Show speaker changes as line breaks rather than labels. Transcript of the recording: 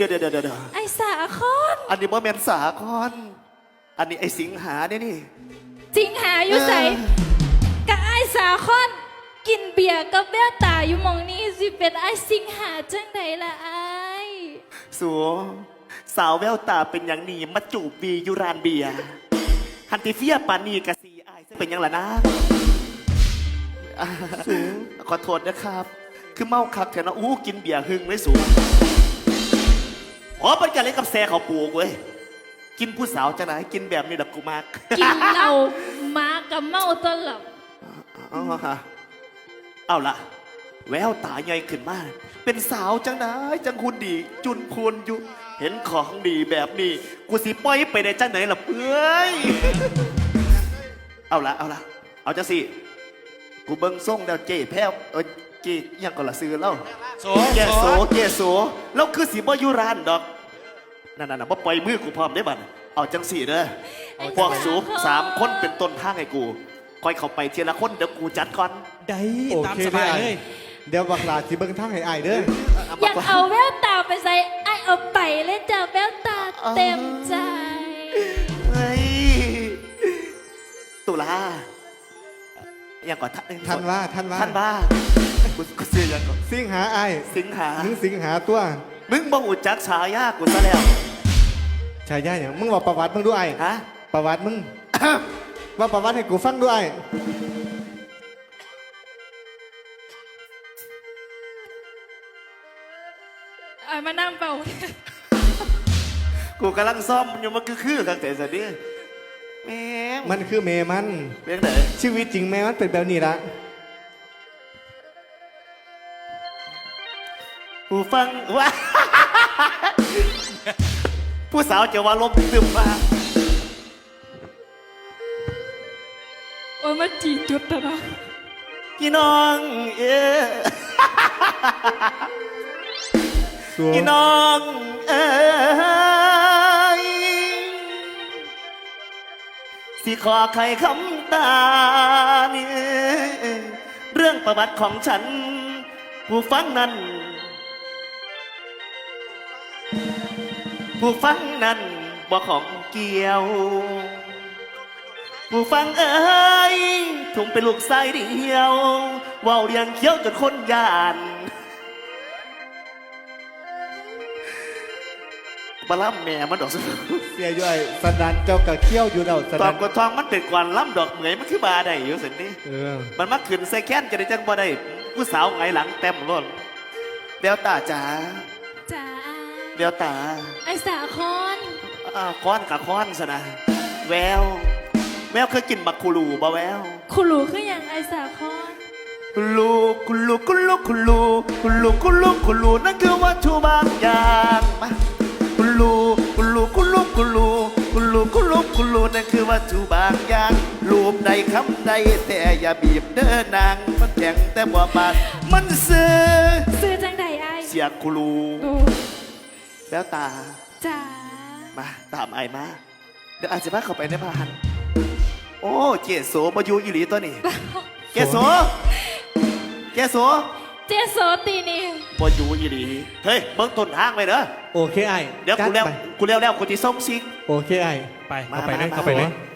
เดี๋ยว
ไอ้สาคอน
อันนี้บ่แม่นสาคอนอันนี้ไอ้สิงหาเนี่ยนี่
จริงหาอยู่ใส่กับไอ้สาคอนกินเบียร์กับแววตาอยู่หมองนี้สิเป็นไอ้สิงหาจังใดล่ะไอ้
สัวสาวแววตาเป็นอย่างนี้มาจูบบีอยู่ร้านเบียร์ฮันติเฟียปานีกะซีอายเป็นยังล่ะนะสูขอโทษนะครับคือเมาคักแถวนะกินเบียร์หึงไม่สูงอ๋อเป็นการเล่นกับแซ่เขาปลูกเว้ยกินผู้สาวจะไหนกินแบบนี้ดับกูมาก
กินเหล้ามากับเมาตลอด
เอาล่ะแววตาใหญ่ขึ้นมากเป็นสาวจังไหนจังคุณดีจุนพูนอยู่เห็นของดีแบบนี้กูสิปล่อยไปได้จังไหนล่ะเพื่อยเอาจังสิกูเบิ้งส่งแล้วเจ๊แพ้วเจ๊ยังก่อนละซื้อเล่าแกโสแล้วคือสิบ่อยู่ร้านดอกนั่นบ่ปล่อยมือกูพร้อมได้บัดเอาจังสิเด้อพวกสูบ3 คนเป็นต้นทางให้กูคอยเข้าไปทีละคนเดี๋ยวกูจัดก่อน
ได้ตามสบายเลยเดี๋ยวบักหลาสิเบิ่งทางให้อ้ายเด้อ
อยากเอาแววตาไปใส่ไอ้เอาไปเลยจ้ะแววตาเต็มใจ
เฮ้ยตุลาอย่างก่อน
ท่านว่า
กูเสียยังก่อน
สิงหาอ้าย
สิงหา
มึงสิงหาตัว
มึงบ่หูจักฉายากูซะแล้ว
ฉายาอย่างมึงว่าประวัติมึงด้วย
ฮะ
ประวัติมึง ว่าประวัติให้กูฟังด้วย
ไอ้มานั่งเป่า
กูกำลังซ่อมอยู่มันคือกันแต่สันนี่แม่
มันคือเมมัน
เป็นไหน
ชีวิตจริงแม่มันเป็นแบบนี้ละ
ผู้ฟังว่าผู้สาวจะว่าลมตึมมา
โอ้ยมาจีจุดนะ
พี่น้องพี่น้องสิขอใครคำตานี่เรื่องประวัติของฉันผู้ฟังนั้นบ่ของเกี่ยวผู้ฟังถุงเป็นลูกไส้เดียวว่าวเรียงเขี้ยวจนคนยานบล่ำแม่มันดอก
เสียย่อยสนันเจ้ากะเขี้ยวอยู่เรา
ตอนกดทองมันเป็นกวนล่ำดอกเหมยมันคือบาได้อยู่สินี่มันมาขึ้นใส่แค้นจะได้จังบ่ได้ผู้สาวไงหลังเต็มรถเบลตาจ๋าเบลตา
ไอ้สาคอน
ค้อนกับค้อนซะนะแววเคยกินบักคูลูบ่แวว
คูลูคืออย่างไอ้สาคอน
คูลูนั่นคือวัตถุบางอย่างมาคูลูนั่นคือวัตถุบางอย่างรูปใดคำใดแต่อย่าบีบเด้อนางมันแข็งแต่บ่บาดมันซื้อ
จังใดไอ้
เสียคูลูแล้วตา
จ้า
มาตามไอ้มาเดี๋ยวอาจจะพาเข้าไปในบ้านโอ้เจโสมาอยู่อีหลีตัวนี้เจโส
ตีนี่
มาอยู่อีหลีเฮ้ยเบิ้งต้นทางไปเด้อ
โอเคไอ้
เดี๋ยวกูแล้วกูที่ส่งซิก
โอเคไอ้
เข้าไปเลย